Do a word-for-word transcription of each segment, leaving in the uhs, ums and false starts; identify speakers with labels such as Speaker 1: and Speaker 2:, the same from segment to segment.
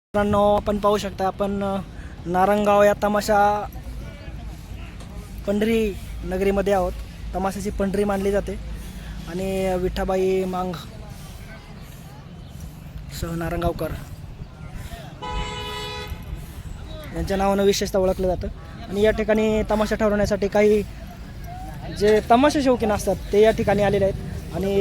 Speaker 1: मित्रांनो, आपण पाहू शकता आपण नारंगाव या तमाशा पंढरी नगरीमध्ये आहोत. तमाशाची पंढरी मानली जाते आणि विठाबाई मांग सह नारंगावकर यांच्या नावानं विशेषतः ओळखलं जातं. आणि या ठिकाणी तमाशा ठरवण्यासाठी काही जे तमाशा शौकीन असतात ते या ठिकाणी आलेले आहेत आणि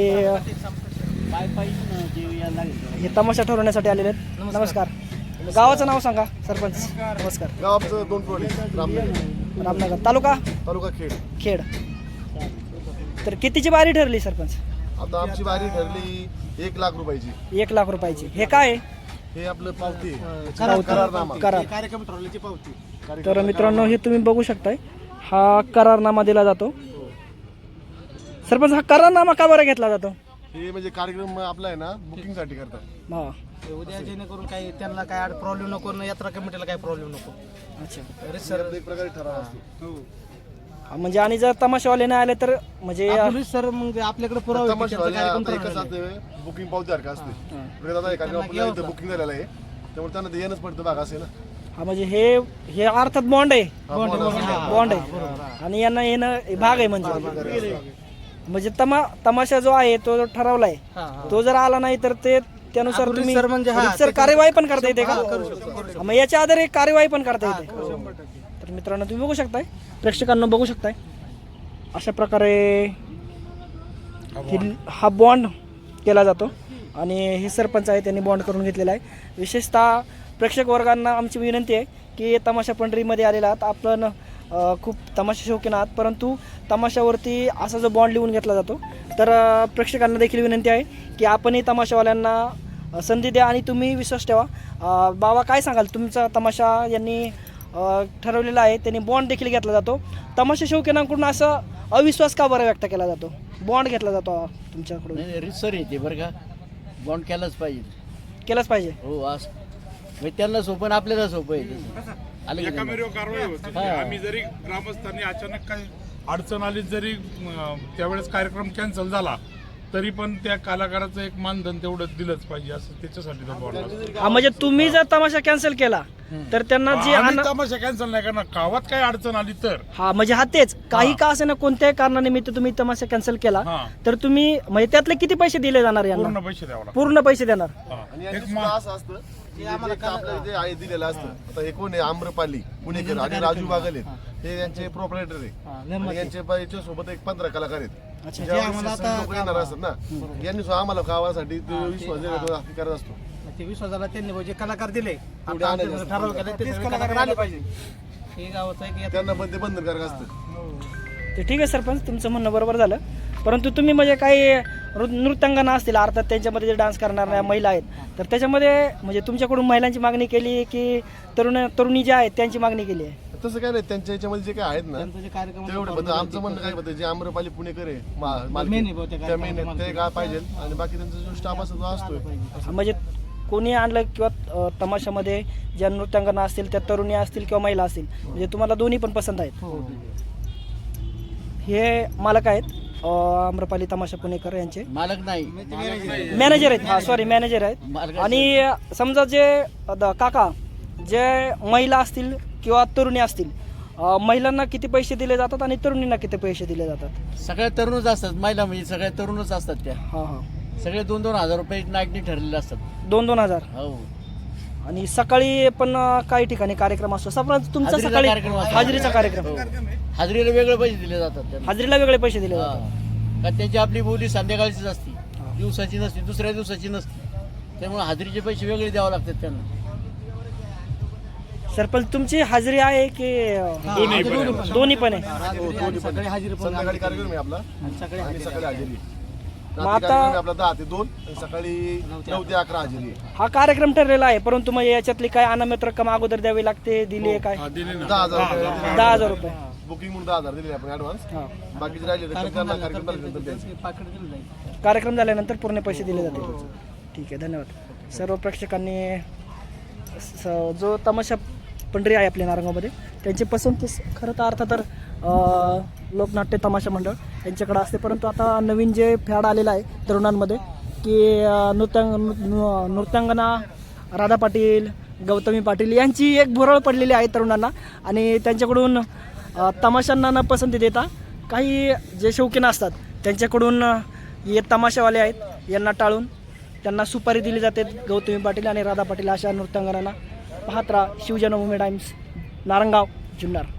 Speaker 1: हे तमाशा ठरवण्यासाठी आलेले आहेत. नमस्कार, गावाचं नाव सांगा सरपंच. नमस्कार.
Speaker 2: गावाचं दोन टोळी रामनगर
Speaker 1: रामनगर तालुका
Speaker 2: तालुका खेड.
Speaker 1: खेड. तर कितीची बारी ठरली सरपंच?
Speaker 2: आता आमची बारी ठरली एक लाख रुपयाची.
Speaker 1: एक लाख रुपयाची. हे काय आहे?
Speaker 2: हे आपलं पावती
Speaker 1: करार.
Speaker 2: करारनामा.
Speaker 1: करार.
Speaker 2: कार्यक्रम ठरवल्याची पावती.
Speaker 1: तर मित्रांनो, हे तुम्ही बघू शकताय, हा करारनामा दिला जातो. सरपंच, हा करारनामा का बरं घेतला जातो?
Speaker 2: हे म्हणजे कार्यक्रम आपला आहे ना, बुकिंग साठी करतात.
Speaker 1: हा,
Speaker 3: उद्या जेणेकरून काही त्यांना काय प्रॉब्लेम नको ना, यात्रा कमिटीला काही प्रॉब्लेम नको.
Speaker 1: अच्छा.
Speaker 2: तरी सर एक प्रकारे ठराव असतो.
Speaker 1: हा, म्हणजे आणि जर तमाशावाले नाही आले तर म्हणजे
Speaker 3: पोलीस सर मग आपल्याकडे पुरावा आहे की त्यांचा कार्यक्रम ठरवलेला आहे.
Speaker 2: बुकिंग पावती सारखं असते. म्हणजे आता कार्यक्रम आपल्या इथं बुकिंग झालेला आहे, त्यामुळे त्यांना ते येणंच पडतं भाग असेल ना.
Speaker 1: हा, म्हणजे हे हे अर्थात बॉन्ड आहे.
Speaker 2: बॉन्ड
Speaker 1: बॉन्ड आहे आणि यांना येणं भाग आहे. म्हणजे म्हणजे तमा तमाशा जो आहे तो ठरवलाय, तो जर आला नाही तर ते त्यानुसार तुम्ही
Speaker 3: सर म्हणजे हा,
Speaker 1: सर कार्यवाही पण करता येते का? मग याच्या आधारे कार्यवाही पण करता येते. तर मित्रांनो, तुम्ही बघू शकताय, प्रेक्षकांना बघू शकताय, अशा प्रकारे ही- हा बॉन्ड केला जातो आणि हे सरपंच आहे त्यांनी बॉन्ड करून घेतलेला आहे. विशेषतः प्रेक्षक वर्गांना आमची विनंती आहे की तमाशा पंढरीमध्ये आलेला आहात, आपण अ, खूप तमाशा शौकीन आहात, परंतु तमाशावरती असा जो बॉन्ड लिहून घेतला जातो, तर अ, प्रेक्षकांना देखील विनंती आहे की आपणही तमाशावाल्यांना अ, संधी द्या आणि तुम्ही विश्वास ठेवा. अ, बाबा, काय सांगाल? तुमचा तमाशा यांनी अ, ठरवलेला आहे, त्यांनी बॉन्ड देखील घेतला जातो. तमाशा शौकीनांकडून असं अविश्वास का बरं व्यक्त केला जातो? बॉन्ड घेतला जातो तुमच्याकडून.
Speaker 4: नाही रितसर येते बरं का, बॉन्ड केलाच पाहिजे.
Speaker 1: केलंच पाहिजे.
Speaker 4: हो, असं म्हणजे त्यांना सोपं आणि आपल्याला सोपं आहे तसं. आलं की
Speaker 5: एका
Speaker 4: नाही?
Speaker 5: मेरीवर कारवाई होती.
Speaker 4: हा.
Speaker 5: आम्ही जरी ग्रामस्थांनी अचानक काही अडचण आली, जरी अं, त्यावेळेस कार्यक्रम कॅन्सल झाला, तरी पण त्या कलाकाराचं एक मानधन तेवढं दिलंच पाहिजे, असं त्याच्यासाठी तो बॉन्ड असतो.
Speaker 1: हा, म्हणजे तुम्ही जर तमाशा कॅन्सल केला तर त्यांना जे
Speaker 5: आम्ही
Speaker 1: आन-
Speaker 5: तमाशा कॅन्सल नाही करणार. गावात काही अडचण आली तर
Speaker 1: हा, म्हणजे हा तेच काही का असे ना, कोणत्याही कारणानिमित्त तुम्ही तमाशा कॅन्सल केला
Speaker 5: हा.
Speaker 1: तर तुम्ही म्हणजे त्यातले किती पैसे दिले जाणार यांना?
Speaker 5: पूर्ण पैसे द्यावं लागतात.
Speaker 1: पूर्ण पैसे देणार.
Speaker 5: हा.
Speaker 2: आणि
Speaker 5: एक
Speaker 2: यांचं
Speaker 5: मा-
Speaker 2: सुद्धा असं असतं की जे आपल्याला जे आहे दिलेलं असतं. आता हे कोण आहे? आम्रपाली पुणेकर आणि राजू बागल आहेत, हे यांचे प्रोप्रायटर आहे. आणि यांचे प- याच्या सोबत एक पंधरा कलाकार आहेत.
Speaker 1: अच्छा.
Speaker 2: ज्यावेळेस लोकं येणार असतात ना, यांनी सुद्धा आम्हाला गावासाठी ते विश्वास देण्याचा हक्क करत असतो.
Speaker 3: ते विश्वासाला त्यांनी म्हणजे कलाकार दिले,
Speaker 2: तेवढे
Speaker 3: आता
Speaker 2: आणायचे
Speaker 3: आमचे
Speaker 2: असतात.
Speaker 3: ठराव केले, तेच कलाकार आले पाहिजे. हे गावाचं आहे की यात्रा-
Speaker 2: त्यांना पण ते बंधनकारक असतं.
Speaker 1: ते ठीक आहे सरपंच, तुमचं म्हणणं बरोबर झालं, परंतु तुम्ही म्हणजे काही नृ- नृत्यांगना असतील, अर्थात त्यांच्यामध्ये जे डान्स करणाऱ्या महिला आहेत, तर त्याच्यामध्ये म्हणजे तुमच्याकडून महिलांची मागणी केली की तरुण तरुणी जे आहेत त्यांची मागणी केली आहे?
Speaker 2: तसं काय नाही, त्यांच्या याच्यामध्ये जे काय आहेत ना
Speaker 3: त्यांचं जे कार्यक्रम
Speaker 2: तेवढं पण आमचं म्हणणं काय होतं, जे आम्रपाली पुणेकर आहे मा- मालकीण,
Speaker 3: मेन आहे बहुतेक
Speaker 2: त्या मेन आहेत, ते काय पाहिजे आणि बाकी त्यांचा जो स्टाफ असतो तो असतोय.
Speaker 1: म्हणजे कोणी आणलं किंवा अ, तमाशामध्ये ज्या नृत्यांगना असतील, त्या तरुणी असतील किंवा महिला असतील, म्हणजे तुम्हाला दोन्ही पण पसंत आहेत. हे मालक आहेत अ, आम्रपाली तमाशा पुणेकर यांचे
Speaker 4: मालक नाही,
Speaker 1: मॅनेजर आहेत. हा, सॉरी, मॅनेजर आहेत.
Speaker 4: मालकाचं-
Speaker 1: आणि समजा जे द- काका जे महिला असतील किंवा तरुणी असतील, अ, महिलांना किती पैसे दिले जातात आणि तरुणींना किती पैसे दिले जातात?
Speaker 4: सगळ्या तरुणच असतात, महिला म्हणजे सगळ्या तरुणच असतात त्या.
Speaker 1: हा हा,
Speaker 4: सगळे दोन दोन हजार रुपये नाईटनी ठरलेले असतात.
Speaker 1: दोन दोन हजार.
Speaker 4: हो,
Speaker 1: आणि सकाळी पण अ, काही ठिकाणी कार्यक्रम असतो. समजा तुमचा
Speaker 4: हाजरीचा
Speaker 1: सकाळी
Speaker 4: कार्यक्रम असतो.
Speaker 1: हाजरीचा कार्यक्रम,
Speaker 4: हो. हाजरीला वेगळे पैसे दिले जातात त्यांना.
Speaker 1: हाजरीला वेगळे पैसे दिले
Speaker 4: हा.
Speaker 1: जातात.
Speaker 4: कारण त्यांची आपली बोली संध्याकाळचीच असती, दिवसाची नसती, दुसऱ्या दिवसाची नसती. त्यामुळे हाजरीचे पैसे वेगळे द्यावे लागतात त्यांना.
Speaker 1: सरपंच, तुमची हाजरी आहे की अ,
Speaker 5: दोन्ही पण आहे.
Speaker 1: दोन्ही पण आहे?
Speaker 2: हो, दोन्ही पण.
Speaker 3: सगळे हजेरी पण
Speaker 2: संध्याकाळी कार्यक्रम आहे आपला
Speaker 3: सगळे
Speaker 2: आणि सकाळी हजेरी.
Speaker 1: मग
Speaker 2: रात्री
Speaker 1: आता-
Speaker 2: कार्यक्रम आहे आपला दहा ते दोन आणि सकाळी नऊ ते अकरा हजेरी आहे.
Speaker 1: हा कार्यक्रम ठरलेला आहे, परंतु मग याच्यातली काय अनामित रक्कम अगोदर द्यावी लागते, दिली आहे काय?
Speaker 5: हा, दिले ना.
Speaker 2: दहा हजार रुपये
Speaker 1: दहा हजार रुपये.
Speaker 2: बुकिंग म्हणून दहा हजार दिले आपण ऍडव्हान्स.
Speaker 1: हा,
Speaker 2: बाकीचे राहिले तर त्यांना कार्यक्रम झाल्यानंतर द्यायचे.
Speaker 3: पाकिट दिलं जाईल.
Speaker 1: कार्यक्रम झाल्यानंतर पूर्ण पैसे दिले जातील. ठीक आहे, धन्यवाद. सर्व प्रेक्षकांनी स- जो तमाशा पंढरी आहे आपल्या नारंगावमध्ये, त्यांची पसंती खरं तर अर्थ तर अ, लोकनाट्य तमाशा मंडळ यांच्याकडे असते, परंतु आता नवीन जे फॅड आलेलं आहे तरुणांमध्ये की अ, नृत्यांग नृ- नृत्यांगना राधा पाटील गौतमी पाटील यांची एक भुरळ पडलेली आहे तरुणांना आणि त्यांच्याकडून अ, तमाशांना न पसंती देता काही जे शौकीन असतात त्यांच्याकडून अ, हे तमाशावाले आहेत यांना टाळून त्यांना सुपारी दिली जाते गौतमी पाटील आणि राधा पाटील अशा नृत्यांगनांना. पाहत राहा शिवजन्मभूमी टाइम्स, नारंगाव, जुन्नर.